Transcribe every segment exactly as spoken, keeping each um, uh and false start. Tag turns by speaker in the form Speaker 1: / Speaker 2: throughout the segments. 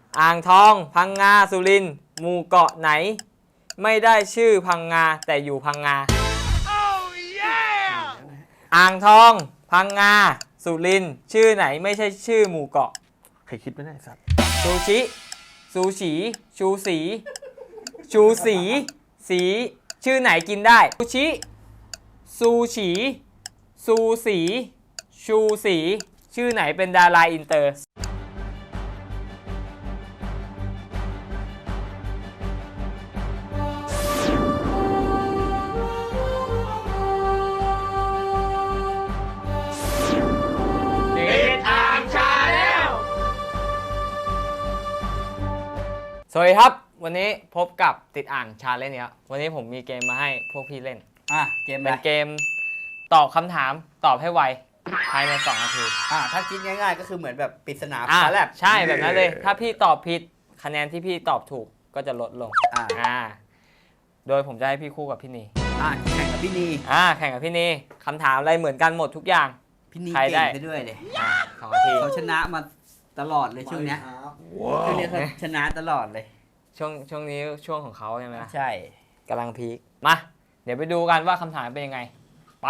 Speaker 1: อ่างทองพังงาสุรินทร์หมู่เกาะไหนไม่ได้ชื่อพังงาแต่อยู่พังงา oh, yeah! อ่างทองพังงาสุรินทร์ชื่อไหนไม่ใช่ชื่อหมู่เกาะ
Speaker 2: ใครคิดไม่ได้สัตว์
Speaker 1: ซูชิซูชิชูสีชูสีสีชื่อไหนกินได้ซูชิซูชิซูสีชูสีชื่อไหนเป็นดาราอินเตอร์สวัสดีครับวันนี้พบกับติดอ่างชาเลนจ์เนี่ยวันนี้ผมมีเกมมาให้พวกพี่เล่น
Speaker 3: อ่ะเกม
Speaker 1: เป็นเกมตอบคำถามตอบให้ไวภายในสองนาที
Speaker 3: อ่ะถ้าคิดง่ายๆก็คือเหมือนแบบปริศนา
Speaker 1: อ่ะ
Speaker 3: ฟ้าแลบ
Speaker 1: ใช่แบบนั้นเลยถ้าพี่ตอบผิดคะแนนที่พี่ตอบถูกก็จะลดลง
Speaker 3: อ่า
Speaker 1: อ่าโดยผมจะให้พี่คู่กับพี่นี
Speaker 3: อ่ะแข่งกับพี่นี
Speaker 1: อ่าแข่งกับพี่นีคำถามอะไรเหมือนกันหมดทุกอย่าง
Speaker 3: พี่นีเก่งไปด้วยเลย
Speaker 1: อ่าสองนาที
Speaker 3: เขาชนะมาตลอดเลยช่วงนี้ช่วงนี้เขาชนะตลอดเลย
Speaker 1: ช่วงช่วงนี้ช่วงของเขาใช่ไหม
Speaker 3: ใช่
Speaker 1: กำลังพีคมาเดี๋ยวไปดูกันว่าคำถามเป็นยังไงไป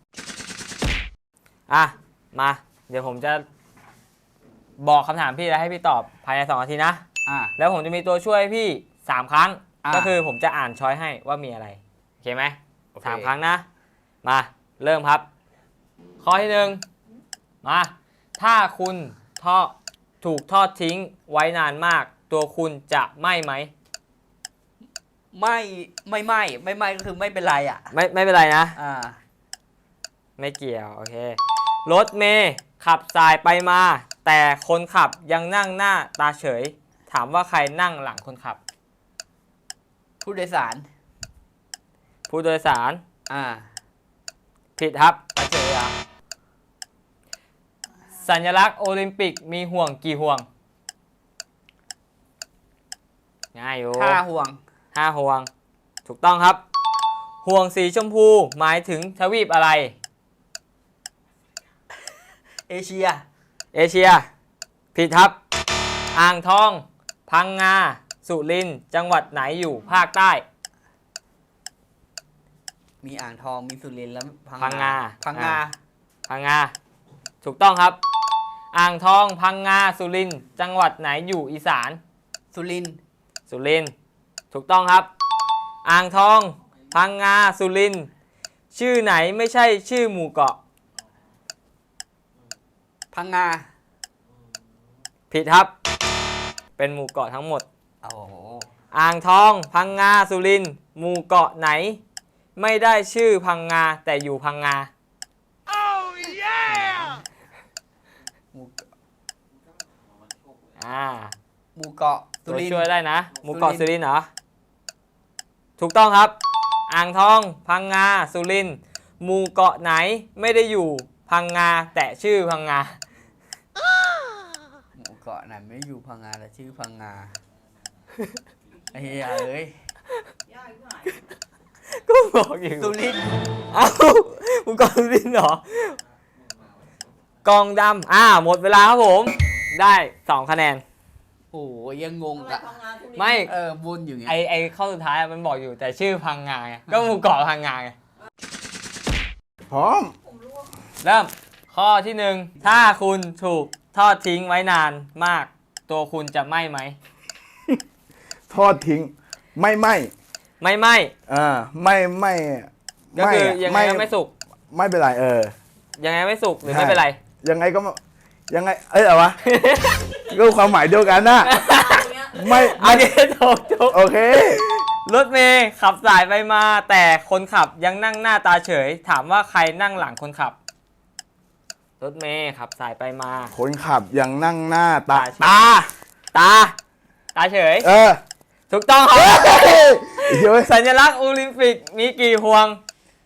Speaker 1: อ่ะมาเดี๋ยวผมจะบอกคำถามพี่แล้วให้พี่ตอบภายในสองนาทีนะ
Speaker 3: อ่ะ
Speaker 1: แล้วผมจะมีตัวช่วยพี่สามครั้งก็คือผมจะอ่านช้อยให้ว่ามีอะไรโอเคไหมสามครั้งนะมาเริ่มครับข้อที่หนึ่งมาถ้าคุณทอดถูกทอดทิ้งไว้นานมากตัวคุณจะไหม้ไหม
Speaker 3: ไม่ไม่ไม่ไม่ไม่ก็คือไม่เป็นไรอ่ะ
Speaker 1: ไม่ไม่เป็นไรนะ
Speaker 3: อ่า
Speaker 1: ไม่เกี่ยวโอเครถเมย์ขับสายไปมาแต่คนขับยังนั่งหน้าตาเฉยถามว่าใครนั่งหลังคนขับ
Speaker 3: ผู้โดยสาร
Speaker 1: ผู้โดยสาร
Speaker 3: อ่า
Speaker 1: ผิดครับตาเฉยอ่ะสัญลักษณ์โอลิมปิกมีห่วงกี่ห่วงง่ายอยู่
Speaker 3: ห้าห่วง
Speaker 1: ห้าห่วงถูกต้องครับห่วงสีชมพูหมายถึงทวีปอะไร
Speaker 3: เอเชีย
Speaker 1: เอเชียผิดครับอ่างทองพังงาสุรินทร์จังหวัดไหนอยู่ภาคใต้
Speaker 3: มีอ่างทองมีสุรินทร์แล้ว
Speaker 1: พังงา
Speaker 3: พังงา
Speaker 1: พังงาถูกต้องครับอ่างทองพังงาสุรินทร์จังหวัดไหนอยู่อีสาน
Speaker 3: สุรินทร์
Speaker 1: สุรินทร์ถูกต้องครับอ่างทองพังงาสุรินทร์ชื่อไหนไม่ใช่ชื่อหมู่เกาะ
Speaker 3: พังงา
Speaker 1: ผิดครับเป็นหมู่เกาะทั้งหมด
Speaker 3: โอ้โห
Speaker 1: อ่างทองพังงาสุรินทร์หมู่เกาะไหนไม่ได้ชื่อพังงาแต่อยู่พังงา oh, yeah!
Speaker 3: หมู่เกาะ
Speaker 1: อ่า
Speaker 3: หมู่เกาะสุรินทร์
Speaker 1: ช่วยได้นะหมู่เกาะสุรินทร์เหรอถูกต้องครับอ่างทองพังงาสุรินทร์หมู่เกาะไหนไม่ได้อยู่พังงาแต่ชื่อพังงา
Speaker 3: หมู่เกาะไหนไม่อยู่พังงาแต่ชื่อพังงาไอ้เหี้ยเอ้ย
Speaker 1: ก็บอกอยู่
Speaker 3: สุรินทร์
Speaker 1: เอ้าหมู่เกาะสุรินทร์เหรอกองดำอ่าหมดเวลาครับผมได้สองคะแนน
Speaker 3: โอ้ยยังงงอะ
Speaker 1: ไม่
Speaker 3: เออวนอยู่ไง
Speaker 1: ไอไอข้อสุดท้ายมันบอกอยู่แต่ชื่อพังงาไงก็หมู่เกาะพังงาไง
Speaker 2: พร้อม
Speaker 1: เริ่มข้อที่หนึ่งถ้าคุณถูกทอดทิ้งไว้นานมากตัวคุณจะไหม้ไหม
Speaker 2: ทอดทิ้งไม่ไหม้
Speaker 1: ไม่ไหม้
Speaker 2: อ่าไม่ไม่
Speaker 1: ก็คือยังไงก็ไม่สุก
Speaker 2: ไม่เป็นไรเออ
Speaker 1: ยังไงไม่สุกหรือไม่เป็นไร
Speaker 2: ยังไงก็ยังไงเอ้ยอะไรวะก็ความหมายเดียวกันนะไม่
Speaker 1: โอเคถูกถูก
Speaker 2: โอเค
Speaker 1: รถเมย์ขับสายไปมาแต่คนขับยังนั่งหน้าตาเฉยถามว่าใครนั่งหลังคนขับรถเมย์ขับสายไปมา
Speaker 2: คนขับยังนั่งหน้าตา
Speaker 1: ตาตาตาเฉย
Speaker 2: เออ
Speaker 1: ถูกต้องครับสัญลักษณ์โอลิมปิกมีกี่ห่วง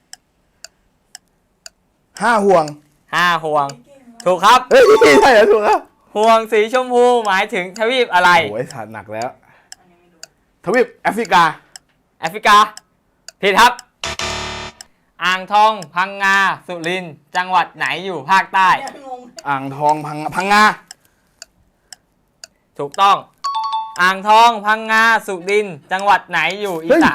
Speaker 2: ห้าห่วง
Speaker 1: ห้าห่วงถูกครับ
Speaker 2: เฮ้ยใช่เหรอถูกครับ
Speaker 1: ห่วงสีชมพูหมายถึงทวีปอะไร
Speaker 2: โอ้ยถาดหนักแล้วทวีปแอฟริกา
Speaker 1: แอฟริกาผิดครับอ่างทองพังงาสุรินทร์จังหวัดไหนอยู่ภาคใต้
Speaker 2: อ่างทองพังพังงา
Speaker 1: ถูกต้องอ่างทอง พังงา สุรินทร์จังหวัดไหนอยู่อีสาน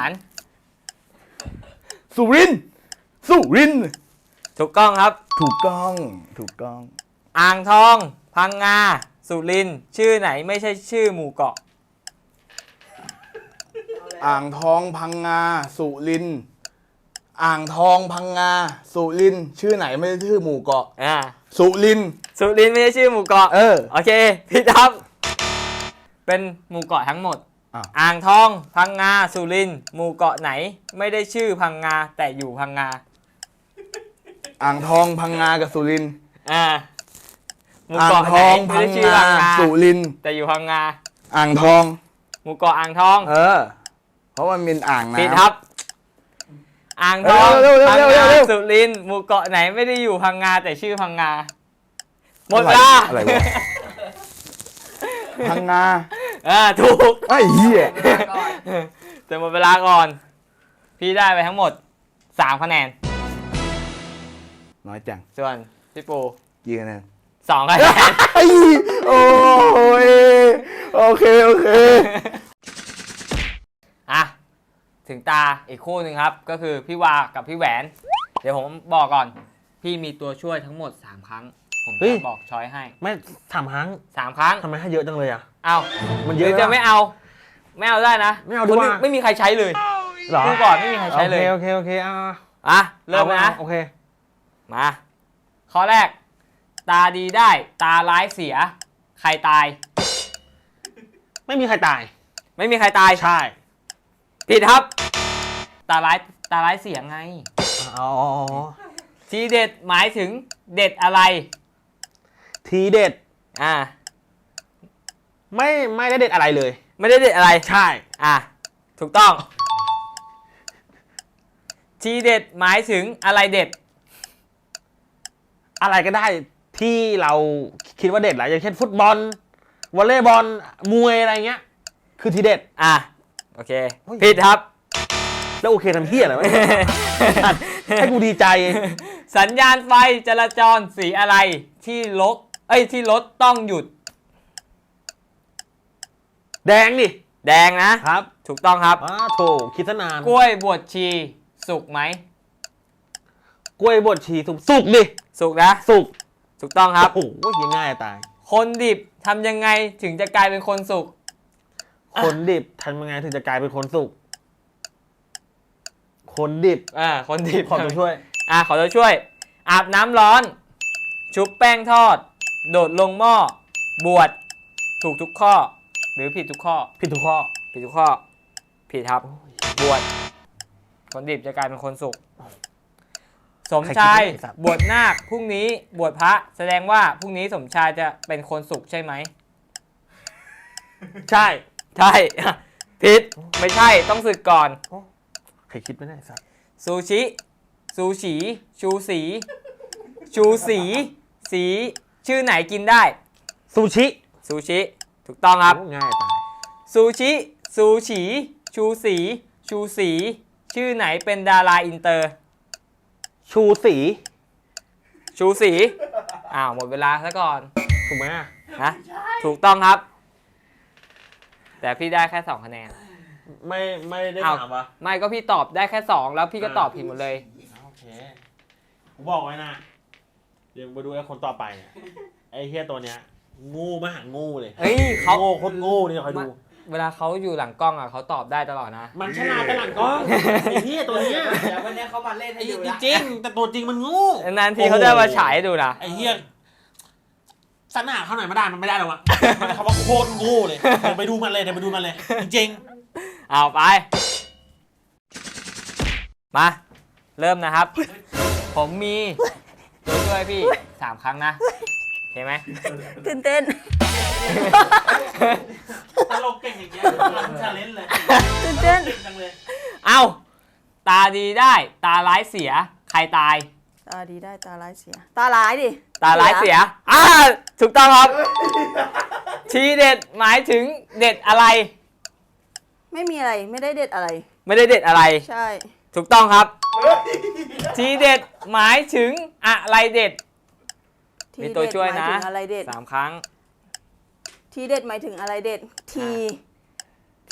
Speaker 2: สุรินทร์สุรินทร์
Speaker 1: ถูกต้องครับ
Speaker 2: ถูกต้องถูกต้อง
Speaker 1: อ่างทอง พังงา สุรินทร์ชื่อไหนไม่ใช่ชื่อหมู่เกาะ
Speaker 2: อ่างทองพังงาสุรินทร์อ่างทองพังงาสุรินทร์ชื่อไหนไม่ใช่ชื่อหมู่เกาะ
Speaker 1: อ่า
Speaker 2: สุรินทร์
Speaker 1: สุรินทร์ไม่ใช่ชื่อหมู่เกาะ
Speaker 2: เออ
Speaker 1: โอเคพี่ครับ เป็นหมู่เกาะทั้งหมด
Speaker 2: อ้าว
Speaker 1: อ่างทอง พังงา สุรินทร์หมู่เกาะไหน ไม่ได้ชื่อพังงาแต่อยู่พังงา
Speaker 2: อ่างทองพังงากับสุรินทร์
Speaker 1: อ่า หมู่
Speaker 2: อ่าง
Speaker 1: เกาะ
Speaker 2: ท
Speaker 1: ไหน
Speaker 2: อง
Speaker 1: ไม่
Speaker 2: พัง
Speaker 1: ได้ชื่อง
Speaker 2: า
Speaker 1: พังงา
Speaker 2: สุรินทร์
Speaker 1: แต่อยู่พังงา
Speaker 2: อ่างทอง
Speaker 1: หมู่เกาะอ่างทอง
Speaker 2: เออ เพราะมันเป็นอ่างน้ำ
Speaker 1: ผิดครับ อ่างทอง
Speaker 2: เร็วๆเร็วๆ
Speaker 1: พัง
Speaker 2: เร็วๆ
Speaker 1: งา
Speaker 2: เร็วๆ
Speaker 1: สุรินทร์หมู่เกาะไหนไม่ได้อยู่พังงาแต่ชื่อพังงา หมดเวลา
Speaker 2: อะไรวะพังงา
Speaker 1: อ่าถูก
Speaker 2: ไอ้เหี้ย
Speaker 1: แต่หมดเวลาก่อน พี่ได้ไปทั้งหมดสามคะแนน
Speaker 2: น้อยจัง
Speaker 1: ส่วนพี่ปู
Speaker 2: กี่คะแนน
Speaker 1: สองคะแนน
Speaker 2: ไอ้โอ้ยโอเคโอเค
Speaker 1: อ่ะ ถึงตาอีกคู่หนึ่งครับ ก็คือพี่วากับพี่แหวน เดี๋ยวผมบอกก่อน พี่มีตัวช่วยทั้งหมดสามครั้ง ผม
Speaker 4: เฮ้ย
Speaker 1: จะบอกช้อยให้
Speaker 4: ไม่สามครั้ง
Speaker 1: สามครั้ง
Speaker 4: ทำไมให้เยอะจังเลยอ่ะ
Speaker 1: เอา
Speaker 4: มัน
Speaker 1: ห
Speaker 4: เย
Speaker 1: รือ
Speaker 4: อะ
Speaker 1: จะไม่เอา ไม่เอาได้นะ
Speaker 4: ไม่เอาดีกว่า
Speaker 1: คนอื่นไม่มีใครใช้เลย
Speaker 4: เหรอ
Speaker 1: ดูก่อนไม่มีใครใช้เลย
Speaker 4: โอเคโอเคโอเคอ่ะ
Speaker 1: อ่ะ เริ่มเลยนะ
Speaker 4: โอเค
Speaker 1: มา ข้อแรก ตาดีได้ ตาร้ายเสีย ใครตาย
Speaker 4: ไม่มีใครตาย
Speaker 1: ไม่มีใครตาย
Speaker 4: ใช่
Speaker 1: ผิดครับ ตาร้ายตาร้ายเสียไง
Speaker 4: อ๋อ
Speaker 1: ทีเด็ดหมายถึงเด็ดอะไร
Speaker 4: ทีเด็ด
Speaker 1: อ่า
Speaker 4: ไม่ไม่ได้เด็ดอะไรเลย
Speaker 1: ไม่ได้เด็ดอะไร
Speaker 4: ใช่
Speaker 1: อ่ะ ถูกต้อง ทีเด็ดหมายถึงอะไรเด็ด
Speaker 4: อะไรก็ได้ที่เราคิดว่าเด็ดแหละอย่างเช่นฟุตบอลวอลเลย์บอลมวยอะไรเงี้ย คือทีเด็ด
Speaker 1: อ่ะ โอเค
Speaker 4: เฮ้ย
Speaker 1: ผิดครับ
Speaker 4: แล้วโอเคทำเพี้ยอะไรวะ ให้กูดีใจ
Speaker 1: สัญญาณไฟจราจรสีอะไรที่รถเอ้ยที่รถต้องหยุด
Speaker 4: แดงดิ
Speaker 1: แดงนะ
Speaker 4: ครับ
Speaker 1: ถูกต้องครับ
Speaker 4: อ้าโถคิดซะนาน
Speaker 1: กล้วยบวชชีสุกไหม
Speaker 4: กล้วยบดชีสุกสุกดิ
Speaker 1: สุกนะ
Speaker 4: สุก
Speaker 1: ถูกต้องครับ
Speaker 4: โอ้โหยังง่ายตาย
Speaker 1: คนดิบทำยังไงถึงจะกลายเป็นคนสุก
Speaker 4: คนดิบทำยังไงถึงจะกลายเป็นคนสุก คนดิบ
Speaker 1: อ่า คนดิบ
Speaker 4: ขอตัวช่วย
Speaker 1: อ่าขอตัวช่วย อาบน้ำร้อน ชุบแป้งทอด โดดลงหม้อ บวช ถูกทุกข้อ หรือผิดทุกข้อ
Speaker 4: ผิดทุกข้อ
Speaker 1: ผิดทุกข้อ ผิดครับ บวช คนดิบจะกลายเป็นคนสุข สมชาย
Speaker 4: ใครคิดได้ไอ้สัตว์
Speaker 1: บวชนาคพรุ่งนี้บวชพระ แสดงว่าพรุ่งนี้สมชายจะเป็นคนสุขใช่ไหม
Speaker 4: ใช่
Speaker 1: ใช่ ผิด ไม่ใช่ ต้องสึกก่อน
Speaker 4: ใครคิดไม่ได้สัตว์
Speaker 1: ซูชิ ซูชี ชูสี ชูสี สี ชื่อไหนกินได้
Speaker 4: ซูชิ
Speaker 1: ซูชิ ถูกต้องครับ
Speaker 4: โอ้ง่ายตาย
Speaker 1: ซูชิ ซูชี ชูสี ชูสี ชื่อไหนเป็นดาราอินเตอร์
Speaker 4: ชูสี
Speaker 1: ชูสี อ้าว หมดเวลาซะก่อน
Speaker 4: ถูกไหมอะ
Speaker 1: นะ ถูกต้องครับ แต่พี่ได้แค่สองคะแนน
Speaker 4: ไม่ไม่ได้
Speaker 1: อ้าว
Speaker 4: ถามวะ
Speaker 1: ไม่ก็พี่ตอบได้แค่สองแล้วพี่ก็ตอบผิดหมดเลย
Speaker 4: โอเคผมบอกไว้นะ เดี๋ยวมาดูไอ้คนต่อไปเนี่ยไอ้เฮียตัวเนี้ยงูมหางูเลย
Speaker 1: เฮ้ยเขา
Speaker 4: โง่โคตรโง่นี่คอยดู
Speaker 1: เวลาเขาอยู่หลังกล้องอ่ะเขาตอบได้ตลอดนะ
Speaker 4: มันฉลาดแต่หลังกล้องไอ้เฮียตัวเนี้ย
Speaker 3: เดี๋ยววันนี้เขามาเล่นให้ดูละ
Speaker 4: จริงๆแต่ตัวจริงมันงู
Speaker 1: นานทีเขาจะมาฉายให้ดูนะ
Speaker 4: ไอ้เฮียสนาเขาหน่อยไม่ได้มันไม่ได้หรอกวะมันคำว่าโคตรงูเลยเดี๋ยวไปดูมันเลยเดี๋ยวไปดูมันเลย จริง
Speaker 1: เอาไป มา เริ่มนะครับ ผมมีตัวช่วยพี่สามครั้งนะโอเคไหม
Speaker 5: ตื่นเต้น
Speaker 4: ๆตลกเก่งอย่างเงี้ยมันชาเลนจ์เลย
Speaker 5: ตื่นเต้น
Speaker 4: เก่งจังเลย
Speaker 1: เอาตาดีได้ ตาร้ายเสีย ใครตาย
Speaker 5: ตาดีได้ตาร้ายเสีย ตาร้ายดิ
Speaker 1: ตาร้ายเสีย อ่า ถูกต้องครับ ทีเด็ดหมายถึงเด็ดอะไร
Speaker 5: ไม่มีอะไรไม่ได้เด็ดอะไร
Speaker 1: ไม่ได้เด็ดอะไร
Speaker 5: ใช่
Speaker 1: ถูกต้องครับ ทีเด็ดหมายถึงอะไรเด็ด
Speaker 5: ที
Speaker 1: มี
Speaker 5: เด็ด
Speaker 1: ตัวช่วย
Speaker 5: หมาย
Speaker 1: นะ
Speaker 5: ถึงอะไรเด็ด
Speaker 1: สามครั้ง
Speaker 5: ทีเด็ดหมายถึงอะไรเด็ด ที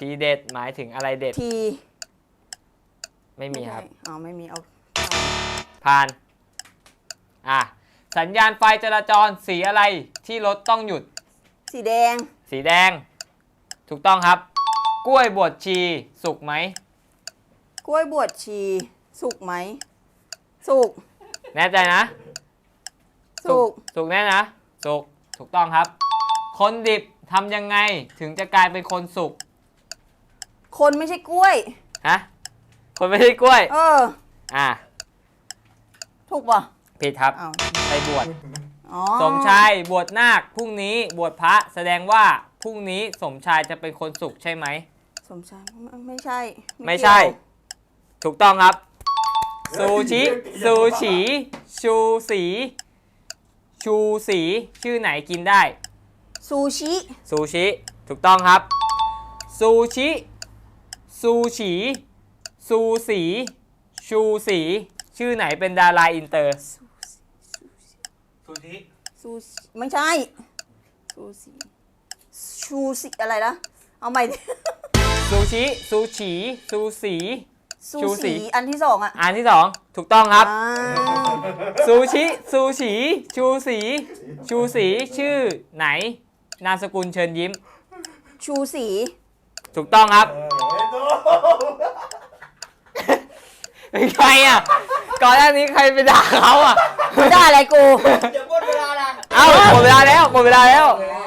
Speaker 1: ทีเด็ดหมายถึงอะไรเด็ด
Speaker 5: ที
Speaker 1: ไม่มีครับ
Speaker 5: ใช่อ๋อไม่มีเอา
Speaker 1: ผ่าน อ่ะ สัญญาณไฟจราจรสีอะไรที่รถต้องหยุด
Speaker 5: สีแดง
Speaker 1: สีแดง ถูกต้องครับ กล้วยบวชชีสุกไหม
Speaker 5: กล้วยบวชชี สุกไหม สุก
Speaker 1: แน่ใจนะ
Speaker 5: สุก
Speaker 1: สุกแน่นะ สุก ถูกต้องครับ คนดิบทำยังไงถึงจะกลายเป็นคนสุก
Speaker 5: คนไม่ใช่กล้วย
Speaker 1: ฮะ คนไม่ใช่กล้วย
Speaker 5: เออ
Speaker 1: อ่ะ
Speaker 5: ถูกป่ะ
Speaker 1: ผิดครับ
Speaker 5: อ้าว
Speaker 1: ไปบวช
Speaker 5: อ๋อ
Speaker 1: สมชายบวชนาคพรุ่งนี้บวชพระแสดงว่าพรุ่งนี้สมชายจะเป็นคนสุขใช่ไหม
Speaker 5: สมชายไม่ไม่ใช่
Speaker 1: ไม่ใช่
Speaker 5: เกี่ยว
Speaker 1: ถูกต้องครับ ซูชิ ซูชิ ชูสี ชูสี ชื่อไหนกินได้
Speaker 5: ซูชิ
Speaker 1: ซูชิ ถูกต้องครับ ซูชิ ซูชิ ซูสี ชูสี ชื่อไหนเป็นดาราอินเตอร์
Speaker 4: ซูชิ
Speaker 5: ซูชิไม่ใช่ซูชิชูสิอะไรนะเอาใหม่ดิ
Speaker 1: ซูชิ ซูชิ ซูสี
Speaker 5: ซู
Speaker 1: ชูสี
Speaker 5: สีอันที่สองอ่ะ
Speaker 1: อันที่สองถูกต้องครับ
Speaker 5: อ่า
Speaker 1: ซูชิ ซูชิ ชูสี ชูสี ชื่อไหน นามสกุลเชิญยิ้ม
Speaker 5: ชูสี
Speaker 1: ถูกต้องครับ เป็นใครอ่ะ ก่อนหน้านี้ใครไปด่าเขาอ่ะ
Speaker 5: ไม่ได้อะไรกู
Speaker 3: เดี๋ยวหมดเวลาละ
Speaker 1: เอ้าหมดเวลาแล้วหมดเวลาแล้ว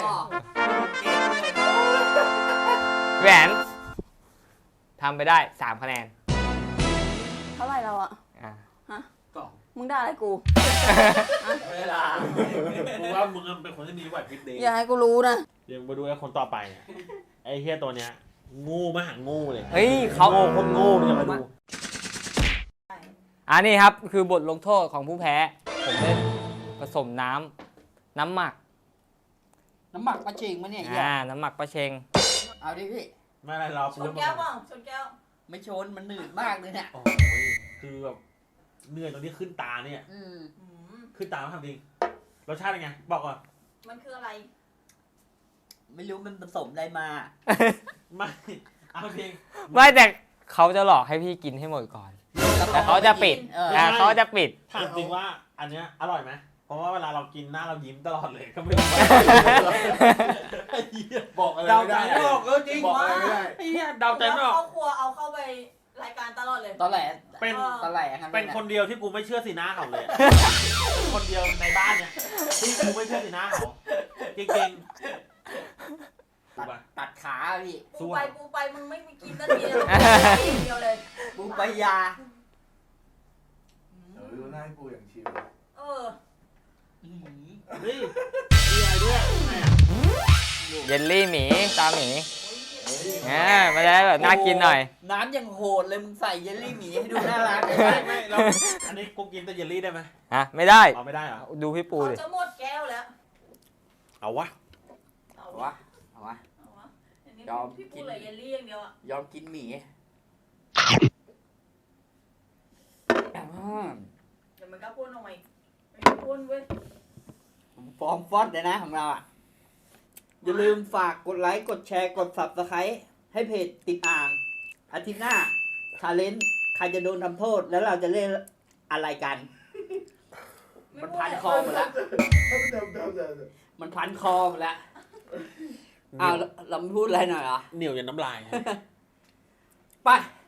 Speaker 1: แหวนทำไปได้สามคะแนน
Speaker 5: เท่าไหร่เราอ่ะ
Speaker 1: อ่ะ
Speaker 5: ฮะ
Speaker 3: กล่อง
Speaker 5: มึงได้อะไรกู
Speaker 3: เวลา
Speaker 4: กูว่ามึงเป็นคนที่มีไหวพริบดี
Speaker 5: อย่าให้กูรู้นะ
Speaker 4: เดี๋ยวมาดูไอ้คนต่อไปเนี่ยไอ้เฮียตัวเนี้ยงูมาหางูเลย
Speaker 1: เฮ้ยเขา
Speaker 4: โง่คนโง่มึงอย่ามาดู
Speaker 1: อันนี้ครับคือบทลงโทษของผู้แพ้ ผมได้ผสมน้ำน้ำหมัก
Speaker 3: น้ำหมักปลาจิงมาเนี่ยเหี้ย
Speaker 1: อ่า น้ำหมักปลาเชง
Speaker 3: เอาดิพี่
Speaker 4: ไม่อะไรเรา
Speaker 5: ชนแก้วเปล่าชนแก้ว
Speaker 3: ไม่ชนมันหนืดมากเลยเนี่ย
Speaker 4: โอ้ยคือแบบเหนื่อยตรงนี้ขึ้นตาเนี่ย
Speaker 3: อืม
Speaker 5: อืม
Speaker 4: ขึ้นตาไม่ทำจริงรสชาติเป็นไง บอกก่อน
Speaker 5: มันคืออะไร
Speaker 3: ไม่รู้มันผสมอะไรมา
Speaker 4: ไม่เอาจริง
Speaker 1: ไม่แต่เขาจะหลอกให้พี่กินให้หมดก่อน แต่เขาจะปิด
Speaker 3: เออ
Speaker 1: อ่าเขาจะปิด
Speaker 4: ถามจริงว่าอันเนี้ยอร่อยไหมเพราะว่าเวลาเรากินหน้าเรายิ้มตลอดเลยก็ไม่รู้ว่าไอ้เหี้ย
Speaker 2: บอกอะไร
Speaker 4: เดา
Speaker 2: ไม่
Speaker 4: ใจ
Speaker 2: ได้
Speaker 4: ไม่ออกเออจริง
Speaker 2: บอกอะไรไม่ได้
Speaker 4: ไอ้เหี้ยเดาใจไม่ออก
Speaker 5: เข้าครัวเอาเข้าไปรายการตลอดเลย
Speaker 3: ตอนแหล
Speaker 4: เป็น
Speaker 3: ตอนแหลครับ
Speaker 4: เป็นคนเดียวที่กูไม่เชื่อสีหน้าเขาเลย คนเดียวในบ้านเนี่ยที่กูไม่เชื่อสีหน้าเขาจริงๆถู
Speaker 3: ตั
Speaker 4: ก
Speaker 3: ด
Speaker 4: ปะ
Speaker 3: ตัดขาพี่
Speaker 5: กูไปกูไปมึงไม่มีกินสักทีเลยอย่างเดียวเลย
Speaker 3: ปูปลายา
Speaker 2: เออดูหน้าให้กูอย่างชิว
Speaker 5: เออ
Speaker 3: อื้อหือ
Speaker 4: เฮ้ยมีอะไรด้วยแม่
Speaker 1: เยลลี่หมีตาหมีอ่ามาได้แบบน่ากินหน่อย
Speaker 3: น้ำยังโหดเลยมึงใส่เยลลี่หมีให้ดูน่ารักเลย
Speaker 4: ไม่ไม่เราอันนี้กูกินแต่เยลลี่ได้ไหม
Speaker 1: ฮะ ไม่ได้
Speaker 4: เอาไม่ได้เหรอ
Speaker 1: ดูพี่ปู
Speaker 5: เขา
Speaker 1: ดิ
Speaker 5: จะหมดแก้วแล้ว
Speaker 4: เอาวะ
Speaker 5: เอา
Speaker 3: เอา
Speaker 5: วะ
Speaker 3: วะเอาวะ
Speaker 5: เอาวะอันนี้
Speaker 3: ยอม
Speaker 5: พี่
Speaker 3: กิ
Speaker 5: ปู
Speaker 3: น
Speaker 5: เลยเยลลี่อย่างเดียวอ่ะ
Speaker 3: ยอมกินหมีอืม
Speaker 5: เดี๋ยวมันก็พ่นออกมาอีกมันก็พ่นเว้ย
Speaker 3: ผมฟอร์มฟอดเลยนะของเราอ่ะ อย่าลืมฝากกดไลค์ กดแชร์ กด subscribe ให้เพจติดอ่าง อาทิตย์หน้าชาเลนจ์ใครจะโดนทำโทษ แล้วเราจะเล่นอะไรกัน มันพันคอหมดแล้ว มันพันคอหมดแล้วอ้าวเราเราไม่พูดอะไรหน่อยเหรอ
Speaker 4: เหนียวยันน้ำลาย
Speaker 3: ไป